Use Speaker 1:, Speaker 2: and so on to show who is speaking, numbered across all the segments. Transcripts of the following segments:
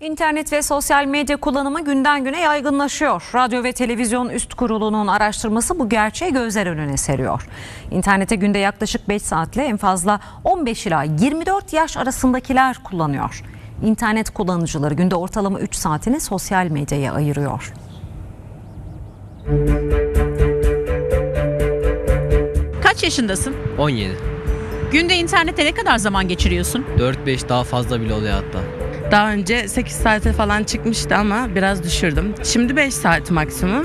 Speaker 1: İnternet ve sosyal medya kullanımı günden güne yaygınlaşıyor. Radyo ve Televizyon Üst Kurulu'nun araştırması bu gerçeği gözler önüne seriyor. İnternete günde yaklaşık 5 saatle en fazla 15 ila 24 yaş arasındakiler kullanıyor. İnternet kullanıcıları günde ortalama 3 saatini sosyal medyaya ayırıyor.
Speaker 2: Kaç yaşındasın?
Speaker 3: 17.
Speaker 2: Günde internette ne kadar zaman geçiriyorsun?
Speaker 3: 4-5 daha fazla bile oluyor hatta.
Speaker 4: Daha önce 8 saate falan çıkmıştı ama biraz düşürdüm. Şimdi 5 saat maksimum.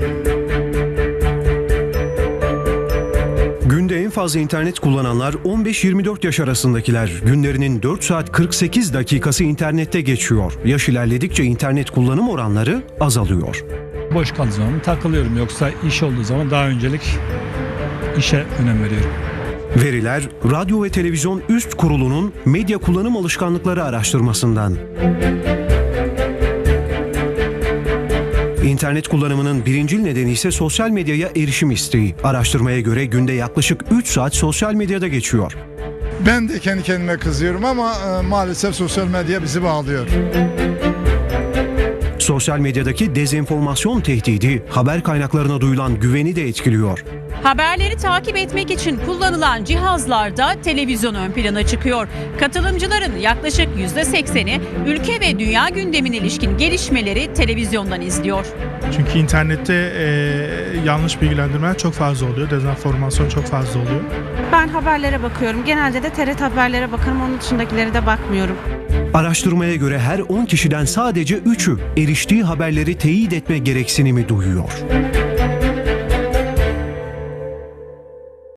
Speaker 5: Günde en fazla internet kullananlar 15-24 yaş arasındakiler. Günlerinin 4 saat 48 dakikası internette geçiyor. Yaş ilerledikçe internet kullanım oranları azalıyor.
Speaker 6: Boş kaldığı zaman takılıyorum, yoksa iş olduğu zaman daha öncelik işe önem veriyorum.
Speaker 5: Veriler Radyo ve Televizyon Üst Kurulu'nun medya kullanım alışkanlıkları araştırmasından. İnternet kullanımının birincil nedeni ise sosyal medyaya erişim isteği. Araştırmaya göre günde yaklaşık 3 saat sosyal medyada geçiyor.
Speaker 7: Ben de kendi kendime kızıyorum ama maalesef sosyal medya bizi bağlıyor.
Speaker 5: Sosyal medyadaki dezenformasyon tehdidi haber kaynaklarına duyulan güveni de etkiliyor.
Speaker 2: Haberleri takip etmek için kullanılan cihazlarda televizyon ön plana çıkıyor. Katılımcıların yaklaşık %80'i ülke ve dünya gündemine ilişkin gelişmeleri televizyondan izliyor.
Speaker 8: Çünkü internette yanlış bilgilendirmeler çok fazla oluyor, dezenformasyon çok fazla oluyor.
Speaker 9: Ben haberlere bakıyorum. Genelde de TRT haberlere bakarım. Onun dışındakilere de bakmıyorum.
Speaker 5: Araştırmaya göre her 10 kişiden sadece 3'ü eriştiği haberleri teyit etme gereksinimi duyuyor.